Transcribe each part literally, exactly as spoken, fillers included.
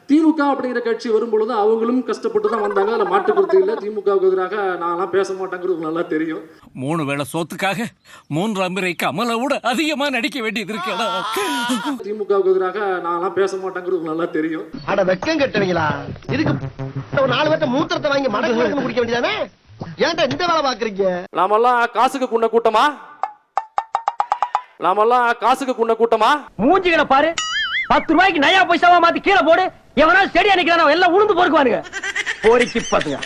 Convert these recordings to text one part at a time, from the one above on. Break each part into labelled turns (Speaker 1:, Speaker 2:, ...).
Speaker 1: திமுக அப்படிங்கிற கட்சி வரும்பொழுது அவங்களும் கஷ்டப்பட்டு தான் வந்தாங்க. அதில் மாற்றுக்கருத்து இல்லை. திமுகவுக்கு எதிராக நான்லாம் பேச மாட்டேங்கிறது நல்லா தெரியும்.
Speaker 2: மூணு வேளை சோத்துக்காக மூன்றாம் முறை கமலை விட அதிகமா நடிக்க வேண்டியது இருக்கா?
Speaker 1: திமுகவுக்கு எதிராக நான்லாம் பேச மாட்டேங்கிறது நல்லா தெரியும்.
Speaker 3: அட வெக்கம் கட்டுவீங்களா? இதுக்கு ஒரு நாலு பேர்த்த மூத்திரத்தை வாங்கி மடக்கு குடிக்க வேண்டியதானே? ஏன்டா இந்த வேலை பாக்குறீங்க?
Speaker 1: நாமெல்லாம் காசுக்கு குண்ட கூட்டமா? நாமெல்லாம் காசுக்கு குண்ட கூட்டமா?
Speaker 4: மூஞ்சிகளை பாரு. பத்து ரூபாய்க்கு நயா பைசாவா மாத்தி கீழே போடு. எவனா செடியா நிக்கிறானோ எல்லாம் உளுந்து பொறுக்குவானுங்க. போரிக்கு பாத்துங்க.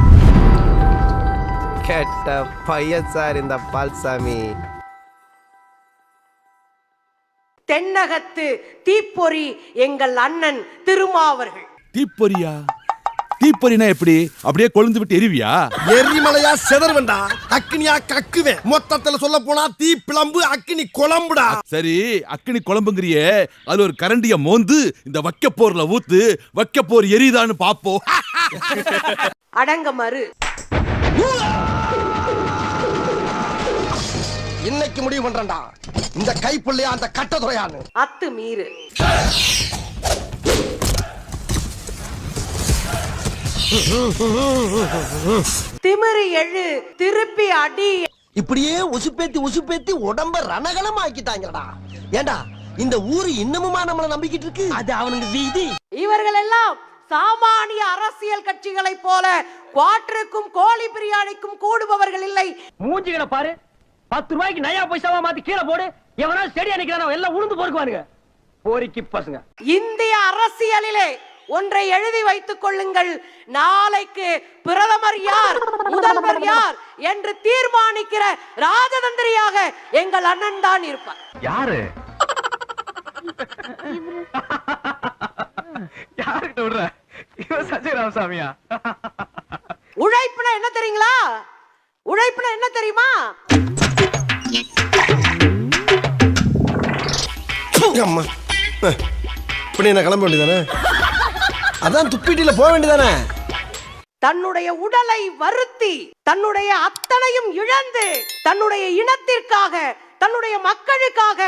Speaker 5: கேட்ட பையன் சார் இந்த பால்சாமி.
Speaker 6: தென்னகத்து தீப்பொறி எங்கள் அண்ணன் திருமாவர்கள்.
Speaker 7: தீப்பொறியா? தீப்பொறினா எப்படி? அப்படியே கொழுந்து விட்டு எரிவியா?
Speaker 3: எரிமலையா செதறுவண்டா, அக்னியா கக்குவேன். மொத்தத்துல சொல்ல போனா தீ பிளம்பு அக்னி குழம்புடா.
Speaker 7: சரி, அக்னி குழம்புங்கிறியே, அது ஒரு கரண்டிய மோந்து இந்த வக்க போர்ல ஊத்து, வக்க போர் எரியுதான்னு பாப்போம்.
Speaker 6: அடங்க மறு.
Speaker 3: இன்னைக்கு முடிவு பண்றேன்டா, இந்த கைப்புள்ளையா அந்த கட்டதுறையான்னு.
Speaker 6: அத்து மீறு. திமிரு எழு, திருப்பி அடி.
Speaker 3: இப்படியே உசுப்பேத்தி உசுப்பேத்தி உடம்ப ரணகலம் ஆக்கிட்டாங்கடா. ஏண்டா இந்த ஊரு இன்னமுமா நம்மள நம்பிக்கிட்டு இருக்கு? அது அவனுக்கு வீதி.
Speaker 6: இவர்கள் எல்லாம் சாமானிய அரசியல் கட்சிகளை போல குவாட்டருக்கும் கோழி பிரியாணிக்கும் கூடுபவர்கள் இல்லை.
Speaker 4: மூஞ்சிகளை பாரு. பத்து ரூபாய்க்கு நயா பைசாவா மாத்தி கீழே போடு. எவனா செடியா நிக்கிறானோ எல்லாம் உளுந்து பொறுக்குவானுங்க. போரிக்கு பசங்க.
Speaker 6: இந்திய அரசியலிலே ஒன்றை எழுதி வைத்துக் கொள்ளுங்கள். நாளைக்கு பிரதமர் யார், முதல்வர் யார் என்று தீர்மானிக்கிற ராஜதந்திரியாக எங்கள் அண்ணன் தான் இருப்பார்.
Speaker 4: யாரு? யாருக்கு விடுற? இவன் சஞ்சய் ராமசாமியா?
Speaker 6: உழைப்புனா என்ன தெரியுங்களா? உழைப்புனா என்ன தெரியுமா?
Speaker 3: அம்மா இப்படி என்ன கிளம்ப வேண்டியதானே? அதான் துப்பிட்டில போக வேண்டியதானே?
Speaker 6: தன்னுடைய உடலை வருத்தி, தன்னுடைய அத்தனையும் இழந்து, தன்னுடைய இனத்திற்காக, தன்னுடைய மக்களுக்காக.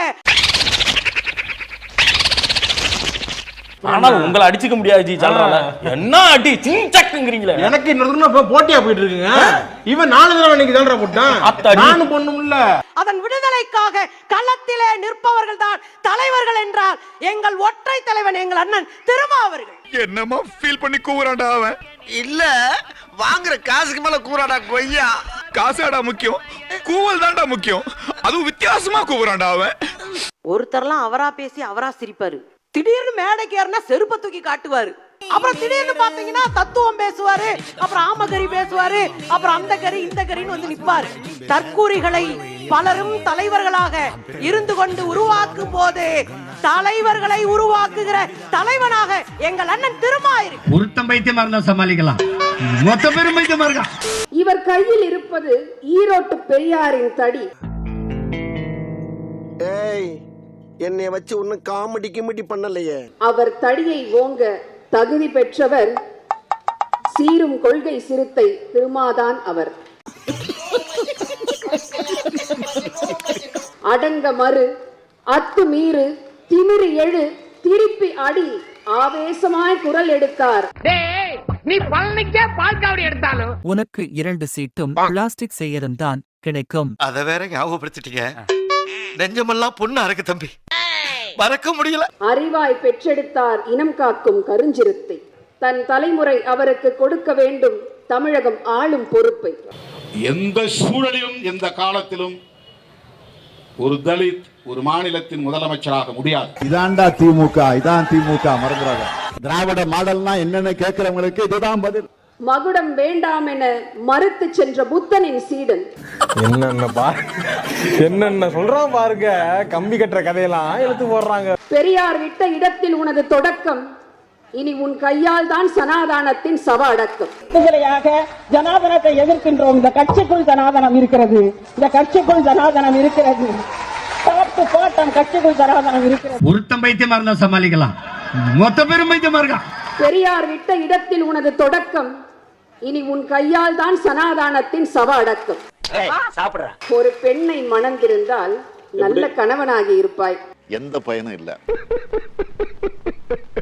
Speaker 8: ஆனால் உங்களை அடிச்சுக்க முடியாது ஜி. சொல்றால என்ன அடி சிங்சக்குங்கறீங்களே.
Speaker 9: எனக்கு இன்னொரு போட்டியா போயிட்டு இருக்குங்க. இவன் நாலு தடவை இன்னைக்கு தான்டா போட்டான். நானும் பொண்ணும் இல்ல.
Speaker 6: அதன் விடுதலைக்காக களத்திலே நிற்பவர்கள் தான் தலைவர்கள் என்றால் எங்கள் ஒற்றை தலைவன் எங்கள் அண்ணன் திருமாவர்கள்.
Speaker 7: என்னமா ஃபீல் பண்ணி கூவுறான்டா அவன்?
Speaker 3: இல்ல, வாங்குற காசுக்கு மேல கூறாடா கொய்யா.
Speaker 7: காசாடா முக்கியம், கூவல் தான்டா முக்கியம். அதுவும் வித்தியாசமா கூவுறான்டா அவன்.
Speaker 6: ஒருத்தர்லாம் அவரா பேசி அவரா சிரிப்பாரு. திடீர்னு மேடைக்கு ஏறினா செருப்பை தூக்கி காட்டுவாரு. அப்புறம் திடீர்னு பாத்தீங்கன்னா தத்துவம் பேசுவாரு. அப்புறம் ஆமகரி பேசுவாரு. அப்புறம் அந்த கறி இந்த கறின்னு வந்து நிப்பாரு. தற்கூரிகளை பலரும் தலைவர்களாக இருந்து கொண்டு உருவாக்கும் போது தலைவர்களை உருவாக்குகிற தலைவனாக எங்கள் அண்ணன் திருமாயிருக்கு.
Speaker 9: ஒருத்தம் பைத்தியமா இருந்தா சமாளிக்கலாம், மொத்த பேரும் பைத்தியமா இருக்கா.
Speaker 10: இவர் கையில் இருப்பது ஈரோட்டு பெரியாரின் தடி.
Speaker 3: ஏய், என்னை வச்சு ஒன்னும் காமெடி கிமெடி பண்ணலையே.
Speaker 10: அவர் தடியை ஓங்க தகுதி பெற்றவர் சீரும் கொள்கை சிறுத்தை திருமாதான் அவர். அடங்க மறு, அத்து மீறு, திமிரு எழு, திருப்பி அடி, ஆவேசமாய் குரல் எடுத்தார்.
Speaker 4: நீ பழனிக்கே பால்காவடி எடுத்தாலும்
Speaker 2: உனக்கு இரண்டு சீட்டும் பிளாஸ்டிக் செய்யறதும் தான் கிடைக்கும்.
Speaker 5: அத வேற ஞாபகப்படுத்திட்டீங்க. நெஞ்சமெல்லாம் பொண்ணு அறக்கு தம்பி, மறக்க முடியல.
Speaker 10: அறிவாய் பெற்றெடுத்தார் இனம் காக்கும் கருஞ்சிறுத்தை. தன் தலைமுறை அவருக்கு கொடுக்க வேண்டும் தமிழகம் ஆளும் பொறுப்பை.
Speaker 11: எந்த சூழலிலும் எந்த காலத்திலும் ஒரு தலித் ஒரு மாநிலத்தின் முதலமைச்சராக முடியாது.
Speaker 7: இதான்டா திமுக, இதான் திமுக, மறந்துடாத. திராவிட மாடல்னா என்னன்னு கேட்கிறவங்களுக்கு இதுதான் பதில்.
Speaker 10: மகுடம் வேண்டாம் என மறுத்து சென்ற புத்தனின் சீடன்.
Speaker 9: என்னென்ன பாரு, என்னென்ன சொல்றான் பாருங்க. கம்பி கட்டுற கதையெல்லாம் எடுத்து போடுறாங்க.
Speaker 10: பெரியார் விட்ட இடத்தில் உனது தொடக்கம், இனி உன் கையால் தான் சனாதானத்தின் சவ அடக்கம்.
Speaker 4: விடுதலையாக ஜனாதனத்தை எதிர்க்கின்றோம். இந்த கட்சிக்குள் ஜனாதனம் இருக்கிறது. இந்த கட்சிக்குள் ஜனாதனம் இருக்கிறது. பாட்டு பாட்டம் கட்சிக்குள் ஜனாதனம் இருக்கிறது.
Speaker 9: ஒருத்தம் பைத்தியமா இருந்தா சமாளிக்கலாம், மொத்த பேரும் பைத்தியமா இருக்கா.
Speaker 10: பெரியார் விட்ட இடத்தில் உனது தொடக்கம், இனி உன் கையால் தான் சனாதானத்தின் சவ அடக்கம். ஒரு பெண்ணை மணந்திருந்தால் நல்ல கணவனாகி இருப்பாய்.
Speaker 7: எந்த பயனும் இல்ல.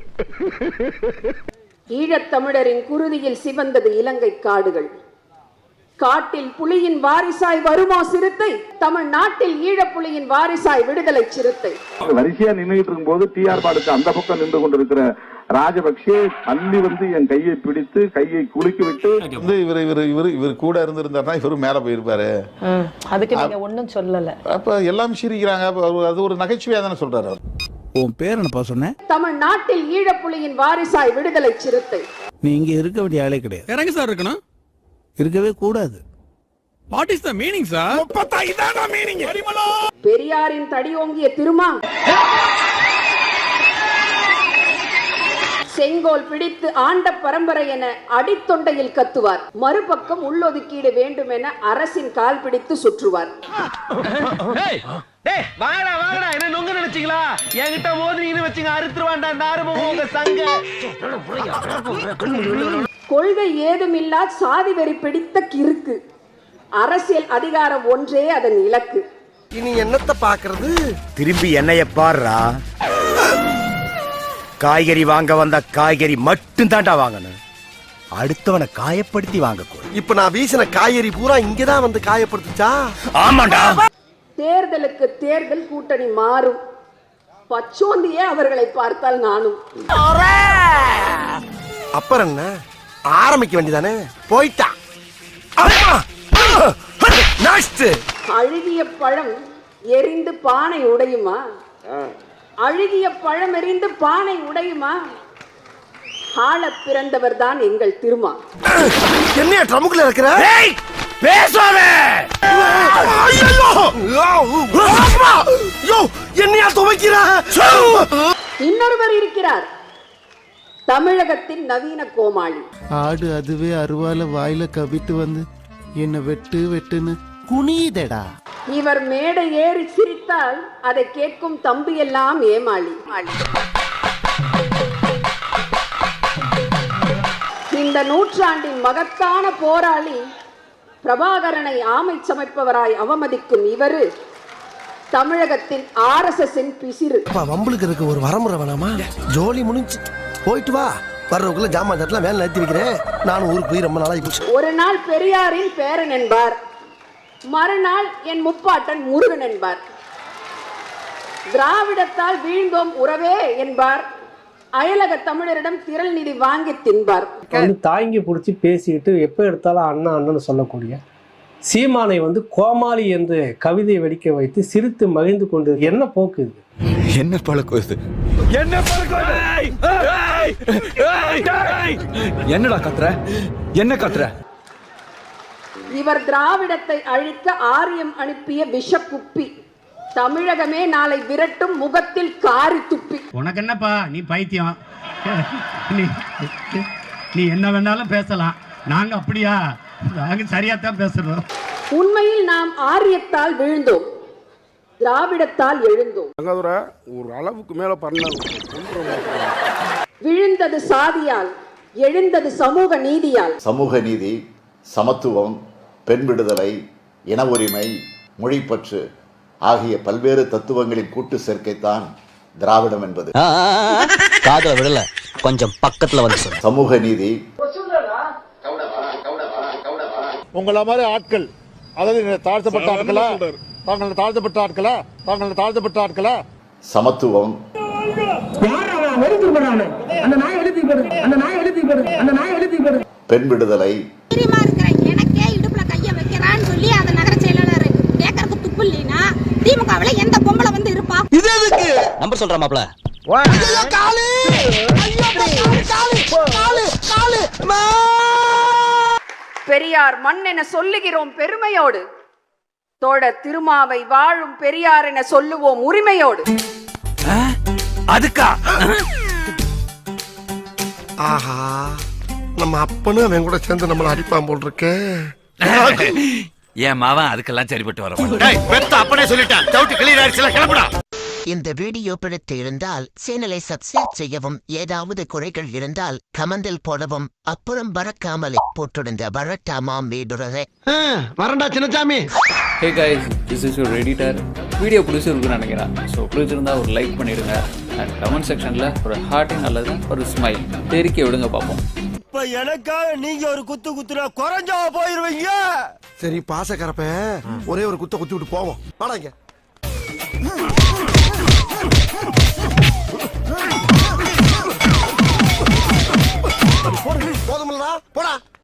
Speaker 10: ஈழத்தமிழரின் குருதியில் சிவந்தது இலங்கை காடுகள். காட்டில் புலியின் வாரிசாய் வருமோ சிறுத்தை, தமிழ்நாட்டில் ஈழப்புலியின் வாரிசாய் விடுதலை சிறுத்தை.
Speaker 11: வரிசையா நின்றுட்டு இருக்கும் போது டிஆர் பாலுக்கு அந்த பக்கம் நின்று கொண்டிருக்கிற ராஜபக்சே தள்ளி வந்து என் கையை பிடித்து கையை குலுக்கி விட்டு வந்து இவர் இவர் இவர் இவர் கூட இருந்திருந்தாருன்னா இவரு மேல போயிருப்பாரு.
Speaker 6: அதுக்கு நீங்க ஒண்ணும் சொல்லல.
Speaker 11: அப்ப எல்லாம் சிரிக்கிறாங்க. அது ஒரு நகைச்சுவையா தானே சொல்றாரு.
Speaker 7: உன் பேர் என்னப்பா சொன்ன?
Speaker 10: தமிழ்நாட்டில் ஈழப்புலியின் வாரிசாய் விடுதலை சிறுத்தை.
Speaker 7: நீ இங்க இருக்க வேண்டிய ஆளே கிடையாது.
Speaker 2: இறங்க சார் இருக்கணும்.
Speaker 7: இருக்கவே கூடாது.
Speaker 2: What is the meaning sir?
Speaker 10: பெரியாரின் தடியோங்கிய திருமா செங்கோல் பிடித்து ஆண்ட பரம்பரை என அடித்தொண்டையில் கத்துவார். மறுபக்கம் உள்ளொதுக்கீடு வேண்டும் என அரசின் கால் பிடித்து சுற்றுவார்.
Speaker 3: வாங்கடா வாங்கடா என்ன நொங்க நினைச்சீங்களா? என்கிட்ட மோதினு வச்சுங்க அறுத்துருவாண்டா இந்த ஆறுமுகம் உங்க சங்க.
Speaker 10: கொள்கை ஏதுமில்லா சாதி வெறி பிடித்த கிறுக்கு. அரசியல் அதிகாரம் ஒன்றே அதன் இலக்கு.
Speaker 3: இனி என்னத்த பாக்குறது?
Speaker 5: திரும்பி என்னைய பாருடா. காய்கறி வாங்க வந்த காய்கறி மட்டும் தாண்டா வாங்கணும். அடுத்தவனை காயப்படுத்தி வாங்க கூட.
Speaker 3: இப்ப நான் வீசின காய்கறி பூரா இங்கதான் வந்து காயப்படுத்துச்சா?
Speaker 5: ஆமாண்டா.
Speaker 10: தேர்தலுக்கு தேர்தல் கூட்டணி மாறும். பச்சோந்தியே அவர்களை பார்த்தால் நானும்.
Speaker 3: அப்புறம் என்ன ஆரம்பிக்க வேண்டியதானே? போயிட்டா.
Speaker 10: அழுகிய பழம் எரிந்து பானை உடையுமா? அழுகிய பழம் எரிந்து பானை உடையுமா? ஆள பிறந்தவர் தான் எங்கள் திருமா.
Speaker 3: என்ன ட்ரமுக்குள்ள இருக்கிற? என்னையா துவைக்கிற?
Speaker 10: இன்னொருவர் இருக்கிறார், தமிழகத்தின் நவீன கோமாளி.
Speaker 3: ஆடு அதுவே அருவால வாயில கவிட்டு வந்து என்ன வெட்டு வெட்டுன்னு குனியுதடா.
Speaker 10: இவர் மேடை ஏறி சிரித்தால் அதை கேட்கும் தம்பி எல்லாம் ஏமாளி. இந்த நூற்றாண்டின் மகத்தான போராளி பிரபாகரனை ஆமை சமைப்பவராய் அவமதிக்கும் இவரு தமிழகத்தின் ஆர் எஸ் எஸ் பிசிறு.
Speaker 3: வம்புலுக்கு இருக்கு ஒரு வரமுறை வேணாமா? ஜோலி முடிஞ்சு போயிட்டு வா. வர்றவங்களுக்குள்ள ஜாமான் தட்டலாம் வேலை நிறுத்தி வைக்கிறேன். நானும் ஊருக்கு போய் ரொம்ப நாளாகி போச்சு.
Speaker 10: ஒரு நாள் பெரியாரின் பேரன் என்பார், மறுநாள் என் முப்பாட்டன் முருகன் என்பார். திராவிடத்தால் வீழ்ந்தோம் உறவே என்பார், அயலக தமிழரிடம் திரள் நிதி வாங்கி தின்பார்.
Speaker 4: தாங்கி பிடிச்சி பேசிக்கிட்டு எப்ப எடுத்தாலும் அண்ணா அண்ணன் சொல்லக்கூடிய சீமானை வந்து கோமாளி என்று கவிதை வெடிக்க வைத்து சிரித்து மகிழ்ந்து கொண்டு என்ன போக்கு இது?
Speaker 7: என்ன பழக்கம் இது? என்ன பழக்கம்? என்னடா கத்துற? என்ன கத்துற?
Speaker 10: இவர் திராவிடத்தை அழிக்க ஆரியம் அனுப்பிய விஷக்குப்பி. தமிழகமே நாளை விரட்டும் முகத்தில் காரி துப்பி.
Speaker 4: உனக்கு என்னப்பா, நீ பைத்தியம். நீ என்ன வேணாலும் பேசலாம், நாங்க அப்படியா? நாங்க சரியாத்தான் பேசுறோம்.
Speaker 10: உண்மையில் நாம் ஆரியத்தால் விழுந்தோம், திராவிடத்தால் எழுந்தோம்.
Speaker 11: ஒரு அளவுக்கு மேல பண்ண
Speaker 10: விழுந்தது சாதியால், எழுந்தது சமூக நீதியால்.
Speaker 11: சமூக நீதி, சமத்துவம், பெண் விடுதலை, இன உரிமை, மொழிப்பற்று ஆகிய பல்வேறு தத்துவங்களின் கூட்டு சேர்க்கைத்தான் திராவிடம் என்பது.
Speaker 3: காதல விடல, கொஞ்சம் பக்கத்துல வந்து சொல்லு.
Speaker 11: சமூக நீதி.
Speaker 9: உங்கள மாதிரி ஆட்கள், அதாவது தாழ்த்தப்பட்ட ஆட்களா, தாங்கள் தாழ்த்தப்பட்ட ஆட்களா, தாங்கள் தாழ்த்தப்பட்ட ஆட்களா.
Speaker 11: சமத்துவம், பெண் விடுதலை,
Speaker 10: எனக்கே இடுப்புல கைய வைக்கிறான்னு சொல்லி அந்த நகர செயலாளர் கேட்கறதுக்கு துப்பு இல்லைன்னா திமுகவுல எந்த பொம்பளை வந்து இருப்பா?
Speaker 3: இது எதுக்கு
Speaker 5: நம்பர் சொல்ற மாப்ள.
Speaker 3: ஐயோ காலு, ஐயோ காலு, காலு, காலு.
Speaker 10: பெரியார் மண் என சொல்லுகிறோம் பெருமையோடு, தோட திருமாவை வாழும் பெரியார் என சொல்லுவோம் உரிமையோடு.
Speaker 5: அதுக்கா?
Speaker 3: ஆஹா, நம்ம அப்பனும் அவன் கூட சேர்ந்து நம்மள அடிப்பான் போல் இருக்கே.
Speaker 2: என் மாவன் அதுக்கெல்லாம் சரிப்பட்டு வர மாட்டேன்.
Speaker 5: அப்பனே சொல்லிட்டேன். டவுட் கிளியர் ஆயிடுச்சுல, கிளம்புடா.
Speaker 3: இந்த வீடியோ பிடித்து இருந்தால் சேனலை சப்ஸ்கிரைப் செய்யவும், ஏதாவது குறைகள் இருந்தால் கமெண்டில் போடவும், அப்புறம் பறக்காமலே போட்டிருந்த வரட்டாமாம் வீடுறதே. வரண்டா Chinnasamy.
Speaker 4: Hey guys, this is your editor. Video பிடிச்சிருக்குன்னு நினைக்கிறேன். ஸோ பிடிச்சிருந்தா ஒரு லைக் பண்ணிடுங்க.
Speaker 8: அண்ட் கமெண்ட் செக்ஷன்ல ஒரு ஹார்ட்டிங் அல்லது ஒரு ஸ்மைல் தெரிக்க விடுங்க பார்ப்போம்.
Speaker 9: இப்ப எனக்காக நீங்க ஒரு குத்து குத்துனா குறைஞ்சா போயிருவீங்க. சரி பாசக்கரப்ப ஒரே ஒரு குத்த குத்தி விட்டு போவோம். வாடாங்க.